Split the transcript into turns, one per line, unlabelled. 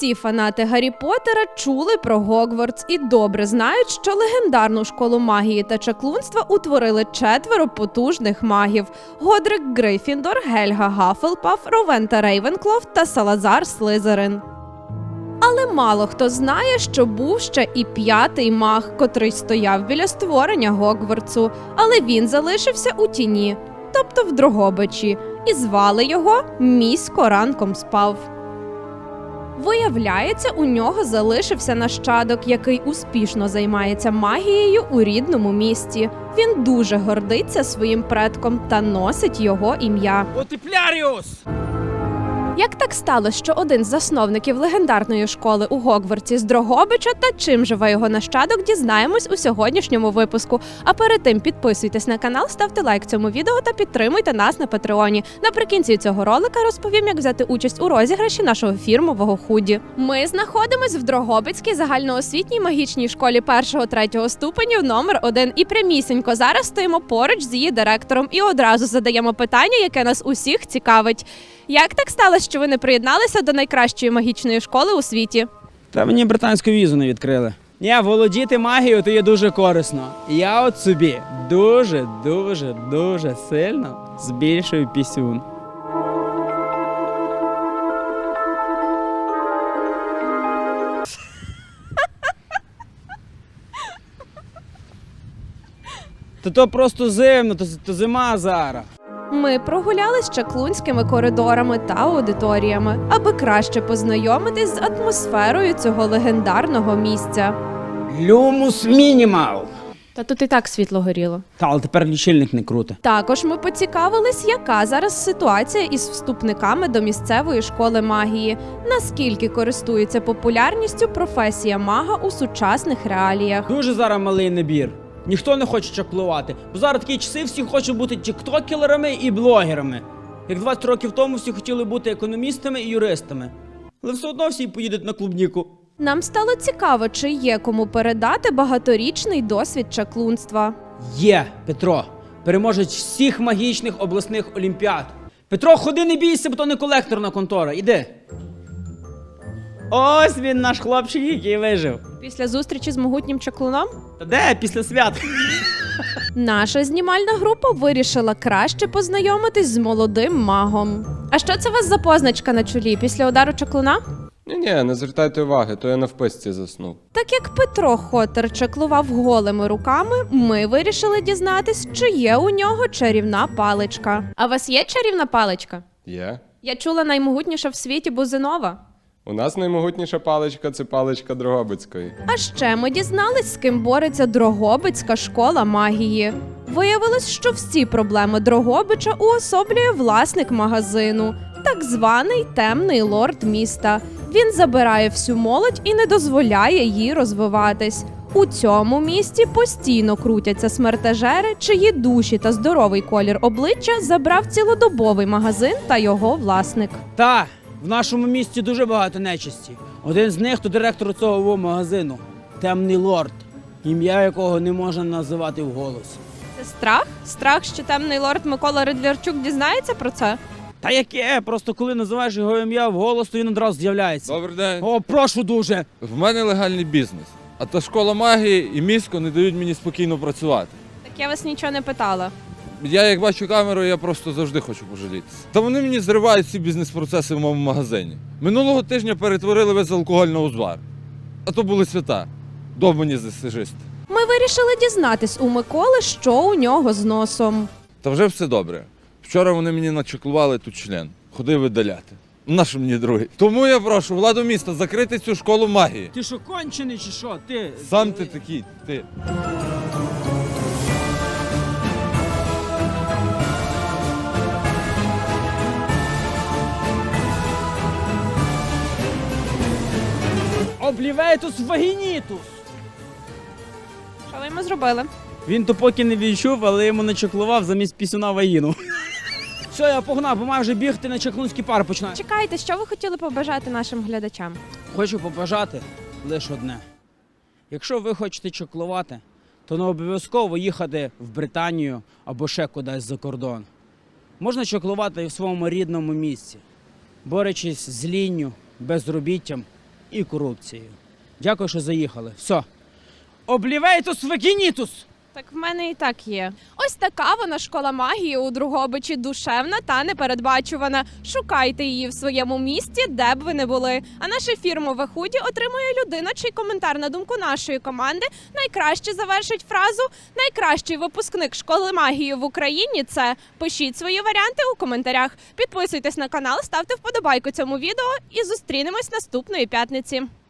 Усі фанати Гаррі Поттера чули про Гогвартс і добре знають, що легендарну школу магії та чаклунства утворили 4 потужних магів – Годрик Гриффіндор, Гельга Гаффелпаф, Ровента Рейвенклов та Салазар Слизерин. Але мало хто знає, що був ще і 5-й маг, котрий стояв біля створення Гогвартсу, але він залишився у тіні, тобто в Дрогобичі, і звали його «Місько ранком спав». Виявляється, у нього залишився нащадок, який успішно займається магією у рідному місті. Він дуже гордиться своїм предком та носить його ім'я.
Отепляріус!
Як так сталося, що один з засновників легендарної школи у Гогвартсі з Дрогобича та чим живе його нащадок, дізнаємось у сьогоднішньому випуску. А перед тим підписуйтесь на канал, ставте лайк цьому відео та підтримуйте нас на Патреоні. Наприкінці цього ролика розповім, як взяти участь у розіграші нашого фірмового худі. Ми знаходимось в Дрогобицькій загальноосвітній магічній школі 1-3 ступенів номер 1 і прямісінько зараз стоїмо поруч з її директором і одразу задаємо питання, яке нас усіх цікавить. Як так сталося, що ви не приєдналися до найкращої магічної школи у світі?
Та мені британську візу не відкрили. Ні, володіти магією – то є дуже корисно. Я от собі дуже сильно збільшую пісюн. То просто зимно, то зима зараз.
Ми прогулялись чаклунськими коридорами та аудиторіями, аби краще познайомитись з атмосферою цього легендарного місця.
Люмус мінімал.
Та тут і так світло горіло.
Та, але тепер лічильник не круто.
Також ми поцікавились, яка зараз ситуація із вступниками до місцевої школи магії, наскільки користується популярністю професія мага у сучасних реаліях.
Дуже зараз малий набір. Ніхто не хоче чаклувати. Бо зараз такі часи, всі хочуть бути тіктокерами і блогерами. Як 20 років тому всі хотіли бути економістами і юристами. Але все одно всі поїдуть на клубніку.
Нам стало цікаво, чи є кому передати багаторічний досвід чаклунства.
Є, Петро, переможець всіх магічних обласних олімпіад. Петро, ходи, не бійся, бо то не колекторна контора. Іди. Ось він, наш хлопчик, який вижив.
Після зустрічі з могутнім чаклуном?
Та де? Після свят.
Наша знімальна група вирішила краще познайомитись з молодим магом. А що це у вас за позначка на чолі після удару чаклуна?
Ні, не звертайте уваги, то я на вписці заснув.
Так як Петро Хотер чаклував голими руками, ми вирішили дізнатись, чи є у нього чарівна паличка. А у вас є чарівна паличка?
Є.
Я чула, наймогутніша в світі Бузинова.
У нас наймогутніша паличка – це паличка Дрогобицької.
А ще ми дізнались, з ким бореться Дрогобицька школа магії. Виявилось, що всі проблеми Дрогобича уособлює власник магазину, так званий темний лорд міста. Він забирає всю молодь і не дозволяє їй розвиватись. У цьому місті постійно крутяться смертежери, чиї душі та здоровий колір обличчя забрав цілодобовий магазин та його власник.
Та, в нашому місті дуже багато нечисті. Один з них – то директор цього магазину. Темний лорд, ім'я якого не можна називати вголос.
Це страх? Страх, що темний лорд Микола Ридлярчук дізнається про це?
Та яке? Просто коли називаєш його ім'я вголос, то він одразу з'являється.
Добрий день.
О, прошу дуже.
В мене легальний бізнес. А та школа магії і місько не дають мені спокійно працювати.
Так я вас нічого не питала.
Я як бачу камеру, я просто завжди хочу пожалітися. Та вони мені зривають всі бізнес-процеси в моєму магазині. Минулого тижня перетворили весь алкоголь на узвар. А то були свята. Довбані засижисти.
Ми вирішили дізнатись у Миколи, що у нього з носом.
Та вже все добре. Вчора вони мені начеклували тут член. Ходив видаляти. Нащо мені другий? Тому я прошу владу міста закрити цю школу магії.
Ти що, кончений чи що? Ти?
Сам ти такий, ти.
Обліветус вагінітус.
Що ви йому зробили?
Він то поки не відчув, але йому начеклував замість пісюна вагіну. Все, я погнав, бо маю вже бігти на чаклунський пар починаю.
Чекайте, що ви хотіли побажати нашим глядачам?
Хочу побажати лише одне. Якщо ви хочете чаклувати, то не обов'язково їхати в Британію або ще кудись за кордон. Можна чаклувати і в своєму рідному місці, борючись з лінню, безробіттям і корупцією. Дякую, що заїхали. Все. Облівейтус вегінітус!
Так в мене і так є. Ось така вона школа магії у Дрогобичі, душевна та непередбачувана. Шукайте її в своєму місті, де б ви не були. А наше фірмове худі отримує людина, чий коментар на думку нашої команди найкраще завершить фразу «Найкращий випускник школи магії в Україні» – це пишіть свої варіанти у коментарях. Підписуйтесь на канал, ставте вподобайку цьому відео і зустрінемось наступної п'ятниці.